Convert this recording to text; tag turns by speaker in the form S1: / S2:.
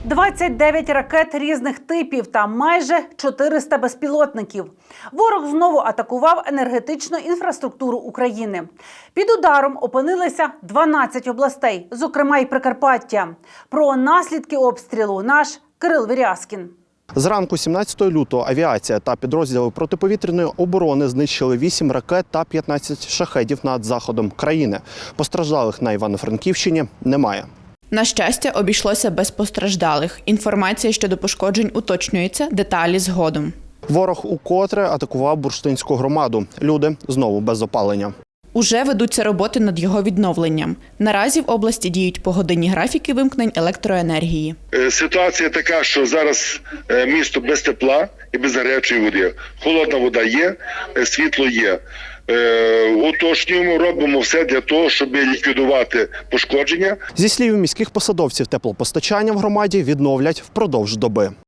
S1: 29 ракет різних типів та майже 400 безпілотників. Ворог знову атакував енергетичну інфраструктуру України. Під ударом опинилися 12 областей, зокрема й Прикарпаття. Про наслідки обстрілу наш Кирил Вірязкін.
S2: Зранку 17 лютого авіація та підрозділи протиповітряної оборони знищили 8 ракет та 15 шахедів над заходом країни. Постраждалих на Івано-Франківщині немає.
S3: На щастя, обійшлося без постраждалих. Інформація щодо пошкоджень уточнюється, деталі згодом.
S2: Ворог укотре атакував бурштинську громаду. Люди знову без опалення.
S3: Уже ведуться роботи над його відновленням. Наразі в області діють погодинні графіки вимкнень електроенергії.
S4: Ситуація така, що зараз місто без тепла і без гарячої води. Холодна вода є, світло є. Уточнюємо, робимо все для того, щоб ліквідувати пошкодження.
S2: Зі слів міських посадовців, теплопостачання в громаді відновлять впродовж доби.